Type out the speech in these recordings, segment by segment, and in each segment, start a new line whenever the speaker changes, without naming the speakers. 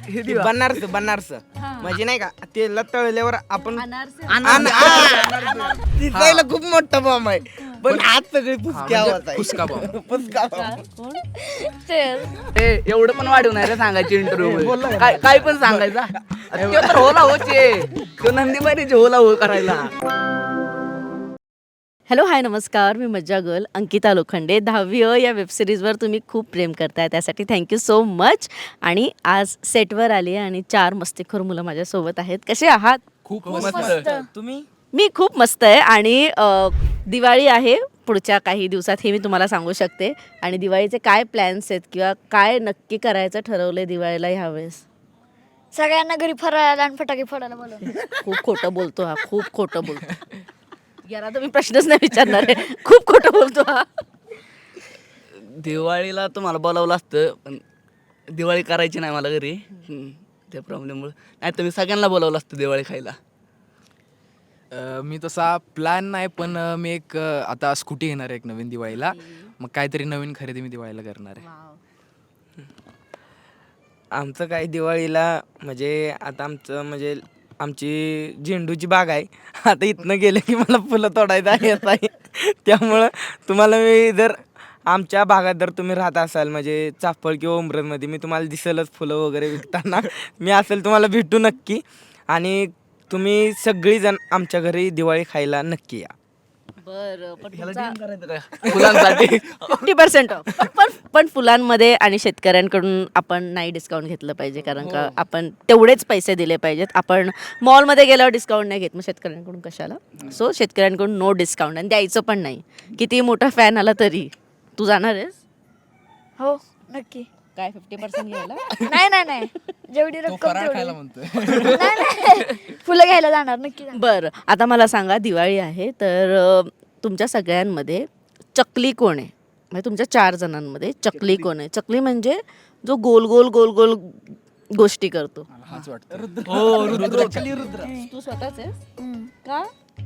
बनारस म्हणजे नाही का तेला तळल्यावर आपण दिसायला खूप मोठा बॉम्ब आहे पण आज सगळी पुसकी आवाज आहे.
फुसका बॉम्ब.
पुसका बॉम्ब.
एवढं पण वाढवून नाही रे सांगायची इंटरव्ह्यू काय पण सांगायचा तो तर होला होचे तो नंदीबाईचे होला हो करायला.
हॅलो हाय नमस्कार, मी मज्जा गर्ल अंकिता लोखंडे. 10वी या वेबसिरीजवर तुम्ही खूप प्रेम करताय त्यासाठी थँक्यू सो मच. आणि आज सेटवर आली आहे आणि 4 मस्तीखोर मुलं माझ्यासोबत आहेत. कसे आहात?
खूप
मस्त. तुम्ही
मी खूप मस्त आहे. आणि दिवाळी आहे पुढच्या काही दिवसात हे मी तुम्हाला सांगू शकते. आणि दिवाळीचे काय प्लॅन्स आहेत किंवा काय नक्की करायचं ठरवलं आहे दिवाळीला ह्यावेळेस?
सगळ्यांना घरी फरायला आणि फटाके फोडायला बोलवलं.
खूप खोटं बोलतो हा, खूप खोटं बोलतो. याला तर मी प्रश्नच नाही विचारणार आहे, खूप खोटं बोलतो हा.
दिवाळीला तुम्हाला बोलावलं असतं पण दिवाळी करायची नाही मला घरी त्या प्रॉब्लेममुळे. नाही तर मी सगळ्यांना बोलावलं असतं दिवाळी खायला.
मी तसा प्लॅन नाही पण मी एक आता स्कूटी घेणार आहे एक नवीन दिवाळीला. मग काहीतरी नवीन खरेदी मी दिवाळीला करणार आहे.
आमचं काय दिवाळीला म्हणजे आता आमचं म्हणजे आमची झेंडूची बाग आहे. आता इथनं गेले की मला फुलं तोडायचं येत आहे. त्यामुळं तुम्हाला मी जर आमच्या भागात जर तुम्ही राहत असाल म्हणजे चाफळ किंवा उमरदमध्ये मी तुम्हाला दिसेलच फुलं वगैरे विकताना. मी असेल तुम्हाला भेटू नक्की. आणि तुम्ही सगळीजण आमच्या घरी दिवाळी खायला नक्की या.
बरं
फुलांसाठी
50% ऑफ. पण फुलांमध्ये आणि शेतकऱ्यांकडून आपण नाही डिस्काउंट घेतलं पाहिजे कारण का आपण तेवढेच पैसे दिले पाहिजेत. आपण मॉलमध्ये गेल्यावर डिस्काउंट नाही घेत, मग शेतकऱ्यांकडून कशाला? सो शेतकऱ्यांकडून नो डिस्काउंट. आणि द्यायचं पण नाही. किती मोठा फॅन आला तरी. तू जाणार आहेस
हो नक्की.
काय 50% घ्यायला?
नाही जेवढी
तो
रक्कम
फराळ
तेवढी.
खायला म्हणतोय.
नाही फुलं घ्यायला जाणार नक्की जाणार.
बरं आता मला सांगा, दिवाळी आहे तर तुमच्या सगळ्यांमध्ये चकली कोण आहे? म्हणजे तुमच्या 4 जणांमध्ये चकली कोण आहे? चकली म्हणजे जो गोल गोल गोल गोल गोष्टी करतो.
हाच वाटतं.
तू स्वतःच आहेस
हम्म.
का?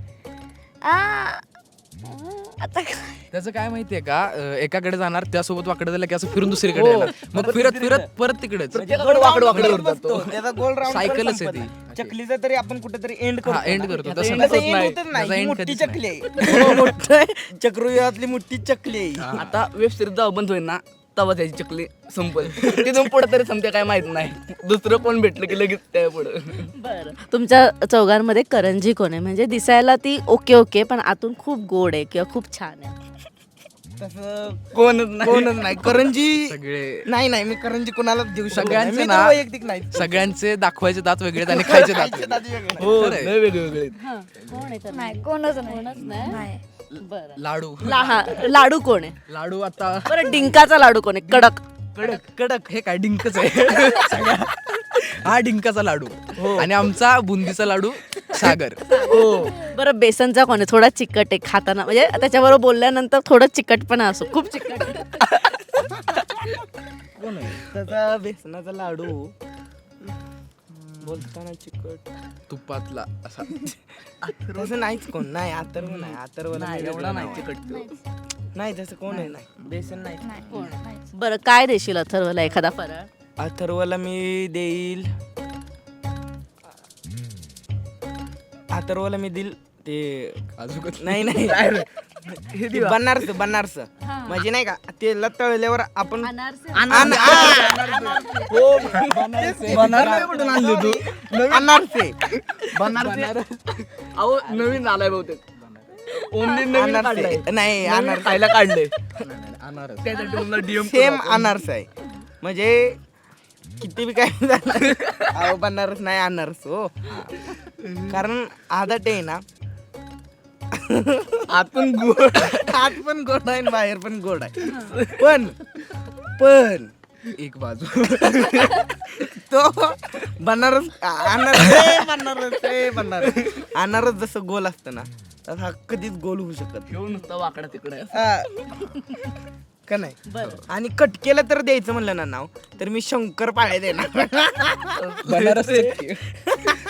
आता
त्याचं काय माहितीये का एकाकडे जाणार त्यासोबत वाकडे झालं की असं फिरून दुसरीकडे येणार. मग फिरत फिरत परत तिकडेच.
वाकडं बसतो. त्याचा गोल राऊंड
सायकलच आहे
संपत.
ती.
चकलीचा तरी आपण कुठेतरी एंड
हा
करतो.
एंड करतो
त्याचा
तसं
end
नाही.
होतच नाही.
त्याचा
ही
end
मोठी
कधीच
चकली आहे. मोठं चक्रुयातली मोठी चकली आहे.
आता वेब सिरीज जेव्हा बंद होईल ना तेव्हा त्याची चकली संपल. तिथून पुढे तरी संपते काय माहित नाही. दुसरं कोण भेटलं की लगेच त्या पुढं.
बरं तुमच्या चौघांमध्ये करंजी कोण आहे? म्हणजे दिसायला ती ओके ओके पण आतून खूप गोड आहे किंवा खूप छान आहे.
तसं
कोणच
नाही करंजी.
सगळे
नाही मी करंजी कोणाला देऊ शकत नाही.
सगळ्यांचे
मी तर
ना
वैयक्तिक नाही.
सगळ्यांचे दाखवायचे दात वेगळे आणि खायचे दात
खायचे
वेगळे.
दात वेगळे.
हो
खरंय.
लय वेगळे वेगळे.
कोण आहे तर?
नाही कोणच
कोणच नाही?
नाही.
बरं
लाडू
लाडू कोण आहे?
लाडू आता
बरं डिंकाचा लाडू कोण आहे? कडक.
कडक हे काय डिंकच आहे. हा डिंकाचा लाडू आणि आमचा बुंदीचा लाडू सागर.
बरं बेसनचा कोण आहे? थोडा चिकट आहे खाताना, म्हणजे त्याच्याबरोबर बोलल्यानंतर थोडं चिकटपणा असो, खूप चिकट.
त्याचा बेसनाचा लाडू बोलताना चिकट
तुपातला असा.
तसं नाहीच कोण. नाही अथर्व नाही. अथर्व
नाही एवढा नाही चिकट.
नाही तसं कोण आहे. नाही बेसन नाही.
बरं काय देशील अथर्वला एखादा फराळ?
अथर्वला मी देईल ते
अजून
नाही ते बनारस म्हणजे नाही का तेला तळल्यावर आपण
अहो नवीन आलाय बहुतेक. ओमनी नवीन काढलाय.
नाही
नवीन
अनारसे
खायला काढले.
अनारस.
त्यासाठी मला DM
सेम अनारस आहे. म्हणजे किती बी काय झालं अहो बनारस नाही अनारस हो. कारण आदट आहे ना
आतून गोड.
आत पण गोड आहे आणि बाहेर पण गोड आहे. पण
एक बाजू
तो अनारस जसं गोल असतं ना तसं हा कधीच गोल होऊ शकत
घेऊन नुसता वाकडा तिकडे.
का नाही. आणि कटकेला तर द्यायचं म्हणलं ना नाव तर मी शंकर पाळ्या देणार.
बनारस.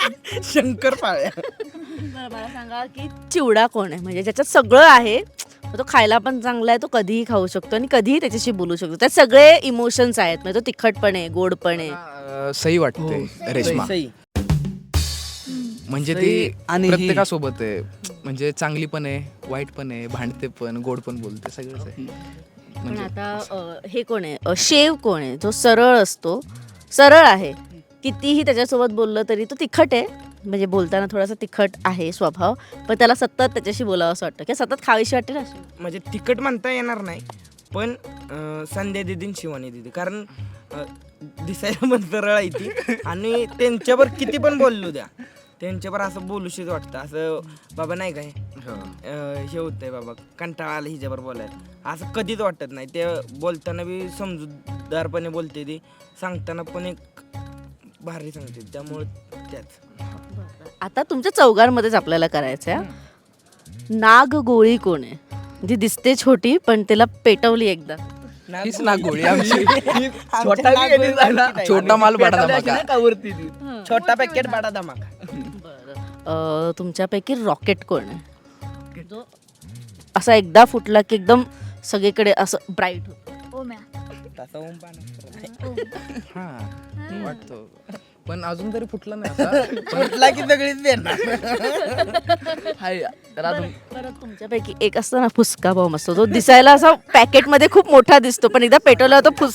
शंकर पाळ्या.
बरं मला सांगा की चिवडा कोण आहे? म्हणजे ज्याच्यात सगळं आहे मग तो खायला पण चांगला आहे, तो कधीही खाऊ शकतो आणि कधीही त्याच्याशी बोलू शकतो. त्यात सगळे इमोशन्स आहेत, म्हणजे तो तिखट पण आहे, गोड पण आहे.
सही वाटते रेश्मा.
सही.
म्हणजे
सही
ती
आणि ही.
प्रत्येकासोबत आहे, म्हणजे चांगली पण आहे, वाईट पण आहे, भांडते पण, गोड पण बोलते, सगळंच आहे.
पण
म्हणजे
आता हे कोण आहे, शेव कोण आहे, जो सरळ असतो, सरळ आहे, कितीही त्याच्यासोबत बोललं तरी तो तिखट आहे, म्हणजे बोलताना थोडासा तिखट आहे स्वभाव, पण त्याला सतत त्याच्याशी बोलावं असं वाटतं की सतत खावीशी वाटते ना अशी.
म्हणजे तिखट म्हणता येणार नाही, पण संध्या दिदी आणि शिवानी दिदी, कारण दिसायला पण सरळ आहे ती आणि त्यांच्यावर किती पण बोललो द्या, त्यांच्यावर असं बोलूशीच वाटतं, असं बाबा नाही काय हे होतंय बाबा, कंटाळा आला हिच्यावर बोलायला, असं कधीच वाटत नाही. ते बोलताना बी समजूतदारपणे बोलते, ती सांगताना पण एक भारी सांगते, त्यामुळे त्याच.
आता तुमच्या चौघांमध्येच आपल्याला करायचं आहे, नाग गोळी कोण आहे, जी दिसते छोटी पण तिला पेटवली एकदा.
हीच ना गोळी आमची.
छोटा बी गेली जायला.
छोटा माल बडा
पेटावली
धमाका.
अशी नाही का वरती ती.
छोटा पॅकेट बडा धमाका.
तुमच्यापैकी रॉकेट कोण आहे, जो असा एकदा फुटला की एकदम सगळीकडे असं ब्राईट होतं.
ओम्या.
तसा ओम पाण्यात
हा वाटतो, पण अजून तरी फुटला नाही असा.
फुटला की सगळीच देणार.
हाय तर अजून
परत तुमच्यापैकी एक असतो ना फुसका बॉम्ब असतो, तो दिसायला असा पॅकेटमध्ये खूप मोठा दिसतो, पण एकदा पेटवला तो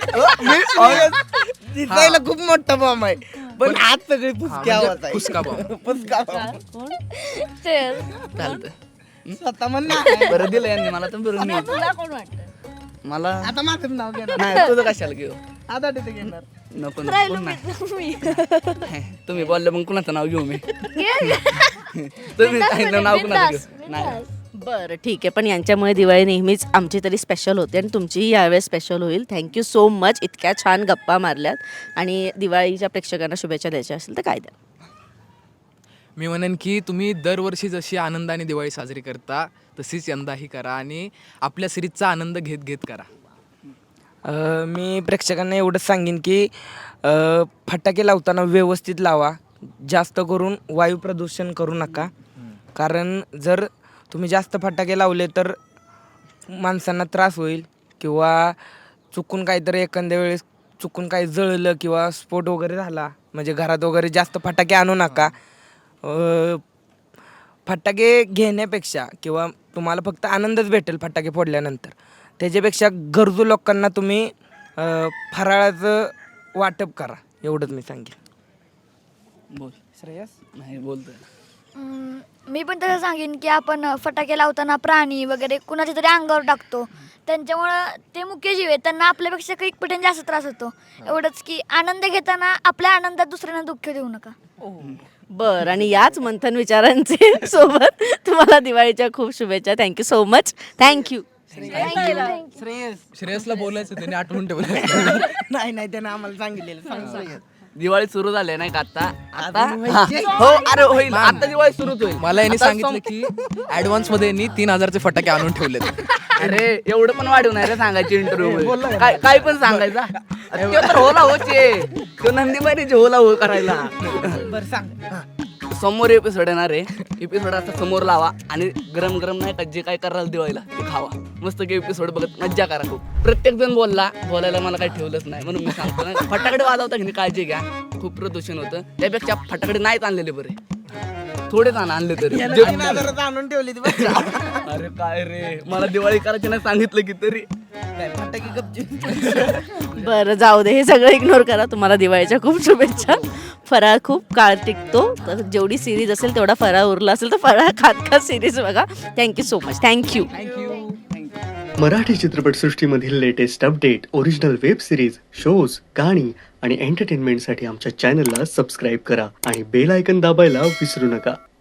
दिसायला खूप मोठा बॉम्ब आहे, पण आज सगळी
हा,
पुसकी
म्हणजे
आवाज आहे.
फुसका बॉम्ब.
पुसका bomb.
कोण?
चालतं.
स्वतः म्हण ना.
बरं दिलं यांनी मला तर बरं मी
तुला कोण वाटतं?
मला
आता माझं नाव घेणार,
नाही तुझं कशाला घेऊ
आता तिथे घेणार.
नको नको नाही तुम्ही बोलले मग कुणाचं नाव घेऊ मी तुम्ही सांगितलं नाव कुणाचं घेऊ नाही
बरं ठीक आहे, पण यांच्यामुळे दिवाळी नेहमीच आमची तरी स्पेशल होते आणि तुमचीही यावेळेस स्पेशल होईल. थँक्यू सो मच, इतक्या छान गप्पा मारल्यात. आणि दिवाळीच्या प्रेक्षकांना शुभेच्छा द्यायच्या असेल तर काय द्या.
मी म्हणेन की तुम्ही दरवर्षी जशी आनंदाने दिवाळी साजरी करता तशीच यंदाही करा आणि आपल्या सिरीजचा आनंद घेत घेत करा.
मी प्रेक्षकांना एवढंच सांगेन की फटाके लावताना व्यवस्थित लावा, जास्त करून वायू प्रदूषण करू नका, कारण जर तुम्ही जास्त फटाके लावले तर माणसांना त्रास होईल, किंवा चुकून काहीतरी एखाद्या वेळेस चुकून काही जळलं किंवा स्फोट वगैरे झाला, म्हणजे घरात वगैरे जास्त फटाके आणू नका. फटाके घेण्यापेक्षा किंवा तुम्हाला फक्त आनंदच भेटेल फटाके फोडल्यानंतर, त्याच्यापेक्षा गरजू लोकांना तुम्ही फराळाचं वाटप करा, एवढंच मी सांगेन.
बोल
श्रेयस.
नाही बोलतोय
मी पण तसं सांगेन की आपण फटाके लावताना प्राणी वगैरे कुणाच्या तरी अंगावर टाकतो, त्यांच्यामुळं ते मुख्य जीव आहे, त्यांना आपल्यापेक्षा काही पटीने जास्त त्रास होतो. एवढंच की आनंद घेताना आपल्या आनंदात दुसऱ्यांना दुःख देऊ नका.
बरं, आणि याच मंथन विचारांचे सोबत तुम्हाला दिवाळीच्या खूप शुभेच्छा. Thank you so much. Thank you.
Shreyas.
श्रेयसला बोलायचं त्याने आठवून ठेवलं.
नाही नाही, त्यानं आम्हाला सांगितलेलं. सांग श्रेयस.
दिवाळी सुरू झाली नाही का आता आता हा. हो अरे होईल आता दिवाळी सुरूच होईल.
मला यांनी
आता
सांगितलं की ऍडव्हान्स मध्ये यांनी 3000चे फटाके आणून ठेवलेत.
अरे एवढं पण वाढवू नाही रे सांगायची इंटरव्ह्यू काय पण सांगायचा तो तर होला होचे तो नंदीबाईचे होला हो करायला.
बरं सांग.
समोर एपिसोड येणार आहे, एपिसोड आता समोर लावा आणि गरम गरम नाही का जे काय कराल दिवाळीला ते खावा, मस्त की एपिसोड बघत मज्जा करा. खूप प्रत्येक जण बोलायला मला काही ठेवलंच नाही, म्हणून मी सांगतो ना फटाकडे वाजवता की काळजी घ्या, खूप प्रदूषण होतं, त्यापेक्षा फटाकडे नाहीच आणलेले बरे, थोडेच आणले तरी.
आणून ठेवली ती
अरे काय रे मला दिवाळी करायची नाही सांगितलं की तरी.
फटाके गपची.
बरं जाऊ दे, हे सगळं इग्नोर करा. तुम्हाला दिवाळीच्या खूप शुभेच्छा. फराळ खूप काळ टिकतो, तर जेवढी सिरीज असेल तेवढा फराळ उरला असेल तर फराळ खात सिरीज बघा. Thank you so much. Thank you.
Marathi चित्रपटसृष्टीमधील latest update, original web series, shows, गाणी आणि एंटरटेनमेंटसाठी आमच्या चॅनलला सबस्क्राईब करा आणि बेल आयकन दाबायला विसरू नका.